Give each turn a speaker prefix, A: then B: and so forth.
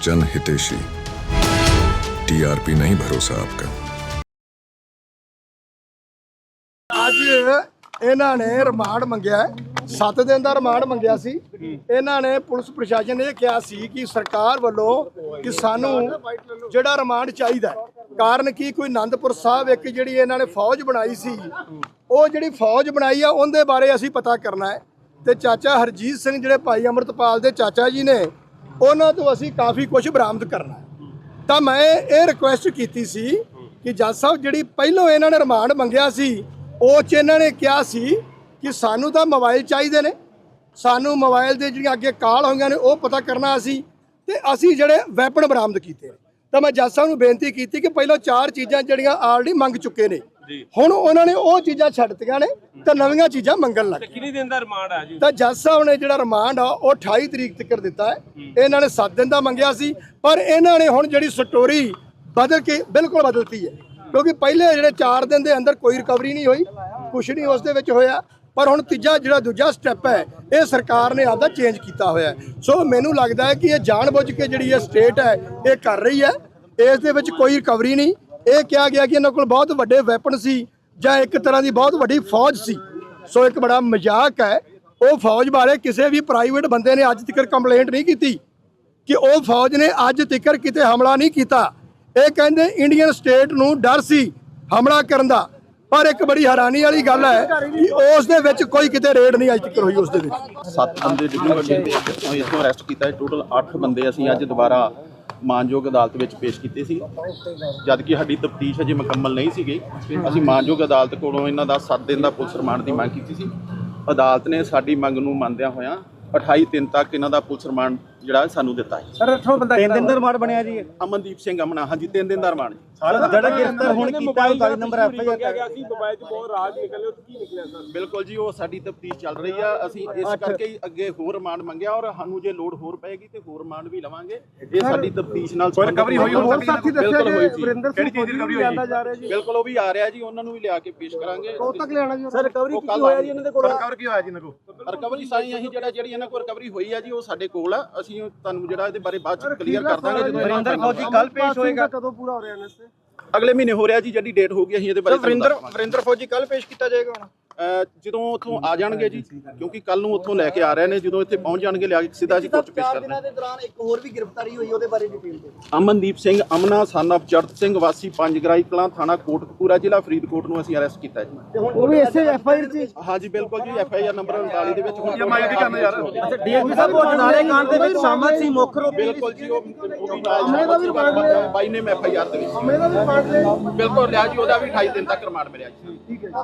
A: जन हितेशी। टीआरपी नहीं भरोसा आपका।
B: ਅੱਜ ਇਹਨਾਂ ਨੇ ਰਿਮਾਂਡ ਮੰਗਿਆ 7 ਦਿਨ ਦਾ ਰਿਮਾਂਡ ਮੰਗਿਆ ਸੀ। ਇਹਨਾਂ ਨੇ ਪੁਲਿਸ ਪ੍ਰਸ਼ਾਸਨ ਨੇ ਇਹ ਕਿਹਾ ਸੀ ਕਿ ਸਰਕਾਰ ਵੱਲੋਂ ਕਿ ਸਾਨੂੰ ਜਿਹੜਾ ਰਿਮਾਂਡ ਚਾਹੀਦਾ ਹੈ। ਕਾਰਨ ਕੀ ਕੋਈ ਆਨੰਦਪੁਰ ਸਾਹਿਬ ਇੱਕ ਜਿਹੜੀ ਇਹਨਾਂ ਨੇ ਫੌਜ ਬਣਾਈ ਸੀ, ਉਹ ਜਿਹੜੀ ਫੌਜ ਬਣਾਈ ਆ ਉਹਦੇ ਬਾਰੇ ਅਸੀਂ ਪਤਾ ਕਰਨਾ ਹੈ। ਤੇ ਚਾਚਾ ਹਰਜੀਤ ਸਿੰਘ ਜਿਹੜੇ ਭਾਈ ਅੰਮ੍ਰਿਤਪਾਲ ਦੇ ਚਾਚਾ ਜੀ ਨੇ, ਉਹਨਾਂ ਤੋਂ ਅਸੀਂ ਕਾਫੀ ਕੁਝ ਬਰਾਮਦ ਕਰਨਾ ਹੈ। ਤਾਂ ਮੈਂ ਇਹ ਰਿਕੁਐਸਟ ਕੀਤੀ ਸੀ ਕਿ ਜੱਜ ਸਾਹਿਬ ਜਿਹੜੀ ਪਹਿਲੋਂ ਇਹਨਾਂ ਨੇ ਰਿਮਾਂਡ ਮੰਗਿਆ ਸੀ, ਉਹ 'ਚ ਇਹਨਾਂ ਨੇ ਕਿਹਾ ਸੀ ਕਿ ਸਾਨੂੰ ਤਾਂ ਮੋਬਾਈਲ ਚਾਹੀਦੇ ਨੇ, ਸਾਨੂੰ ਮੋਬਾਈਲ ਦੇ ਜਿਹੜੀਆਂ ਅੱਗੇ ਕਾਲ ਹੋਈਆਂ ਨੇ ਉਹ ਪਤਾ ਕਰਨਾ ਅਸੀਂ, ਤੇ ਅਸੀਂ ਜਿਹੜੇ ਵੈਪਨ ਬਰਾਮਦ ਕੀਤੇ ਨੇ। ਤਾਂ ਮੈਂ ਜੱਜ ਸਾਹਿਬ ਨੂੰ ਬੇਨਤੀ ਕੀਤੀ ਕਿ ਪਹਿਲਾਂ 4 ਚੀਜ਼ਾਂ ਜਿਹੜੀਆਂ ਆਲਰੇਡੀ ਮੰਗ ਚੁੱਕੇ ਨੇ, ਹੁਣ ਉਹਨਾਂ ਨੇ ਉਹ ਚੀਜ਼ਾਂ ਛੱਡਤੀਆਂ ਨੇ ਤੇ ਨਵੀਆਂ ਚੀਜ਼ਾਂ ਮੰਗਣ ਲੱਗ ਗਏ।
C: ਕਿੰਨੇ ਦਿਨ ਦਾ ਰਿਮਾਂਡ ਆ ਜੀ?
B: ਤਾਂ ਜੱਜ ਸਾਹਿਬ ਨੇ ਜਿਹੜਾ ਰਿਮਾਂਡ ਆ ਉਹ 28 ਤਰੀਕ ਤੱਕ ਦਿੱਤਾ ਹੈ। ਇਹਨਾਂ ਨੇ 7 ਦਿਨ ਦਾ ਮੰਗਿਆ ਸੀ, ਪਰ ਇਹਨਾਂ ਨੇ ਹੁਣ ਜਿਹੜੀ ਸਟੋਰੀ ਬਦਲ ਕੇ ਬਿਲਕੁਲ ਬਦਲਤੀ ਹੈ, ਕਿਉਂਕਿ ਪਹਿਲੇ ਜਿਹੜੇ 4 ਦਿਨ ਦੇ ਅੰਦਰ ਕੋਈ ਰਿਕਵਰੀ ਨਹੀਂ ਹੋਈ, ਕੁਛ ਨਹੀਂ ਉਸ ਦੇ ਵਿੱਚ ਹੋਇਆ। ਪਰ ਹੁਣ ਤੀਜਾ ਜਿਹੜਾ ਦੂਜਾ ਸਟੈਪ ਹੈ, ਇਹ ਸਰਕਾਰ ਨੇ ਆਪਦਾ ਚੇਂਜ ਕੀਤਾ ਹੋਇਆ। ਸੋ ਮੈਨੂੰ ਲੱਗਦਾ ਹੈ ਕਿ ਇਹ ਜਾਣਬੁੱਝ ਕੇ ਜਿਹੜੀ ਇਹ ਸਟੇਟ ਹੈ ਇਹ ਕਰ ਰਹੀ ਹੈ। ਇਸ ਦੇ ਵਿੱਚ ਕੋਈ ਰਿਕਵਰੀ ਨਹੀਂ। ਇਹ ਕਿਹਾ ਗਿਆ ਕਿ ਇਹਨਾਂ ਕੋਲ ਬਹੁਤ ਵੱਡੇ ਵੈਪਨ ਸੀ ਜਾਂ ਇੱਕ ਤਰ੍ਹਾਂ ਦੀ ਬਹੁਤ ਵੱਡੀ ਫੌਜ ਸੀ। ਸੋ ਇੱਕ ਬੜਾ ਮਜ਼ਾਕ ਹੈ। ਉਹ ਫੌਜ ਬਾਰੇ ਕਿਸੇ ਵੀ ਪ੍ਰਾਈਵੇਟ ਬੰਦੇ ਨੇ ਅੱਜ ਤੱਕ ਕੰਪਲੇਂਟ ਨਹੀਂ ਕੀਤੀ ਕਿ ਉਹ ਫੌਜ ਨੇ ਅੱਜ ਤੱਕ ਕਿਤੇ ਹਮਲਾ ਨਹੀਂ ਕੀਤਾ। ਇਹ ਕਹਿੰਦੇ ਇੰਡੀਅਨ ਸਟੇਟ ਨੂੰ ਡਰ ਸੀ ਹਮਲਾ ਕਰਨ ਦਾ, ਪਰ ਇੱਕ ਬੜੀ ਹੈਰਾਨੀ ਵਾਲੀ ਗੱਲ ਹੈ ਕਿ ਉਸ ਦੇ ਵਿੱਚ ਕੋਈ ਕਿਤੇ ਰੇਡ ਨਹੀਂ ਅੱਜ ਤੱਕ ਹੋਈ। ਉਸ ਦੇ ਵਿੱਚ
D: 7 ਬੰਦੇ ਇੱਥੋਂ ਅਰੈਸਟ ਕੀਤਾ। ਟੋਟਲ 8 ਬੰਦੇ ਅਸੀਂ ਅੱਜ ਦੁਬਾਰਾ ਮਾਨਯੋਗ ਅਦਾਲਤ ਵਿੱਚ ਪੇਸ਼ ਕੀਤੇ ਸੀ, ਜਦ ਕਿ ਸਾਡੀ ਤਫਤੀਸ਼ ਅਜੇ ਮੁਕੰਮਲ ਨਹੀਂ ਸੀਗੀ। ਅਸੀਂ ਮਾਨਯੋਗ ਅਦਾਲਤ ਕੋਲੋਂ ਇਹਨਾਂ ਦਾ 7 ਦਿਨ ਦਾ ਪੁਲਿਸ ਰਿਮਾਂਡ ਦੀ ਮੰਗ ਕੀਤੀ ਸੀ। ਅਦਾਲਤ ਨੇ ਸਾਡੀ ਮੰਗ ਨੂੰ ਮੰਨਦਿਆਂ ਹੋਇਆਂ 28 ਤੱਕ ਇਹਨਾਂ ਦਾ ਪੁਲਿਸ ਰਿਮਾਂਡ ਜਿਹੜਾ ਸਾਨੂੰ ਦਿੱਤਾ ਹੈ।
E: ਸਰ 3 ਦਿਨ ਦਾ ਰਿਮਾਂਡ ਬਣਿਆ ਜੀ।
D: ਅਮਨਦੀਪ ਸਿੰਘ ਅਮਨਾ, ਹਾਂਜੀ 3 ਦਿਨ ਦਾ ਰਿਮਾਂਡ।
E: ਜਿਹੜਾ ਗ੍ਰਿਫਤਾਰ ਹੁਣ ਕੀਤਾ 39 ਨੰਬਰ ਐਫਆਈਆਰ
C: ਗਿਆ ਸੀ, ਮੋਬਾਈਲ 'ਚ ਬਹੁਤ ਰਾਜ ਨਿਕਲੇ, ਉਹ ਕੀ ਨਿਕਲਿਆ ਸਰ?
D: ਬਿਲਕੁਲ ਜੀ, ਉਹ ਸਾਡੀ ਤਫਤੀਸ਼ ਚੱਲ ਰਹੀ ਆ। ਅਸੀਂ ਇਸ ਕਰਕੇ ਹੀ ਅੱਗੇ ਹੋਰ ਰਿਮਾਂਡ ਮੰਗਿਆ, ਔਰ ਸਾਨੂੰ ਜੇ ਲੋੜ ਹੋਰ ਪਏਗੀ ਤੇ ਹੋਰ ਰਿਮਾਂਡ ਵੀ ਲਵਾਂਗੇ। ਇਹ ਸਾਡੀ ਤਫਤੀਸ਼ ਨਾਲ
E: ਰਿਕਵਰੀ ਹੋਈ ਹੋਰ ਸਾਥੀ ਦੱਸਿਆ ਜੀ ਵਰਿੰਦਰ ਸਿੰਘ
C: ਕਿਹੜੀ ਚੀਜ਼ ਦੀ recovery
E: ਲਿਆਂਦਾ ਜਾ ਰਿਹਾ ਜੀ।
D: ਬਿਲਕੁਲ ਉਹ ਵੀ ਆ ਰਿਹਾ ਜੀ, ਉਹਨਾਂ ਨੂੰ ਵੀ ਲਿਆ ਕੇ ਪੇਸ਼ ਕਰਾਂਗੇ।
E: ਕਦੋਂ ਤੱਕ ਲਿਆਣਾ ਜੀ? ਸਰ ਰਿਕਵਰੀ ਕੀ ਹੋਇਆ ਜੀ ਇਹਨਾਂ ਦੇ ਕੋਲ?
C: ਰਿਕਵਰ ਕੀ ਹੋਇਆ ਜੀ ਇਹਨਾਂ ਕੋਲ?
D: ਰਿਕਵਰੀ ਸਾਰੀ ਅਸੀਂ ਜਿਹੜੀ ਇਹਨਾਂ ਕੋਲ ਰਿਕਵਰੀ ਹੋਈ ਆ ਜੀ, ਉਹ ਸਾਡੇ ਕੋਲ ਆ। ਅਸੀਂ ਤੁਹਾਨੂੰ ਜਿਹੜਾ ਇਹਦੇ ਬਾਰੇ ਬਾਅਦ ਚ ਕਲੀਅਰ ਕਰ ਦਾਂਗੇ ਜਦੋਂ
E: ਵਰਿੰਦਰ ਫੌਜੀ ਕੱਲ ਪੇਸ਼ ਹੋਏਗਾ। ਕਦੋਂ ਪੂਰਾ ਹੋ ਰਿਹਾ ਇਹਨਾਂ ਤੇ?
D: ਅਗਲੇ ਮਹੀਨੇ ਹੋ ਰਿਹਾ ਜੀ, ਜਿਹੜੀ ਡੇਟ ਹੋ ਗਈ ਅਸੀਂ ਇਹਦੇ ਬਾਰੇ
E: ਵਰਿੰਦਰ ਫੌਜੀ ਕੱਲ ਪੇਸ਼ ਕੀਤਾ ਜਾਏਗਾ ਹੁਣ?
D: ਜਦੋਂ ਉੱਥੋਂ ਆ ਜਾਣਗੇ ਜੀ, ਕਿਉਂਕਿ ਕੱਲ ਨੂੰ ਉੱਥੋਂ ਲੈ ਕੇ ਆ ਰਹੇ ਨੇ। ਜਦੋਂ ਇੱਥੇ ਪਹੁੰਚ ਜਾਣਗੇ ਲਿਆ ਕੇ ਸਿੱਧਾ ਅਸੀਂ ਕੋਰਟ ਪੇਸ਼ ਕਰਨਾ।
E: ਦੇ ਦੌਰਾਨ ਇੱਕ ਹੋਰ ਵੀ ਗ੍ਰਿਫਤਾਰੀ ਹੋਈ, ਉਹਦੇ ਬਾਰੇ ਡਿਟੇਲ ਦਿਓ।
D: ਅਮਨਦੀਪ ਸਿੰਘ ਅਮਨਾ ਸਨ ਆਫ ਚੜਤ ਸਿੰਘ ਵਾਸੀ ਪੰਜਗਰਾਈ ਕਲਾਂ, ਥਾਣਾ ਕੋਟਕਪੂਰਾ, ਜ਼ਿਲ੍ਹਾ ਫਰੀਦਕੋਟ ਨੂੰ ਅਸੀਂ ਅਰੈਸਟ ਕੀਤਾ ਜੀ।
E: ਉਹ ਵੀ ਇਸੇ ਐਫਆਈਆਰ ਚ?
D: ਹਾਂਜੀ ਬਿਲਕੁਲ ਜੀ, ਐਫਆਈਆਰ ਨੰਬਰ 39 ਦੇ ਵਿੱਚ ਹੁਣ
C: ਮੈਂ ਕੀ ਕਰਨਾ ਯਾਰ?
E: ਅੱਛਾ ਡੀਐਸਪੀ ਸਾਹਿਬ ਉਹ ਜਨਾਲੇ ਕਾਂਡ ਦੇ ਵਿੱਚ ਸ਼ਾਮਲ ਸੀ ਮੁੱਖ ਰੂਪ?
D: ਬਿਲਕੁਲ ਜੀ, ਉਹ ਵੀ ਨਾਲ ਬਾਈ ਨੇ ਐਫਆਈਆਰ ਦੇ ਵਿੱਚ
E: ਦਾ ਵੀ ਪਾਰਟ ਲਿਆ?
D: ਬਿਲਕੁਲ ਲਿਆ ਜੀ, ਉਹਦਾ ਵੀ 28 ਦਿਨ ਤੱਕ ਰਿਮਾਂਡ ਮਿਲਿਆ ਜੀ।
E: ਠੀਕ ਹੈ।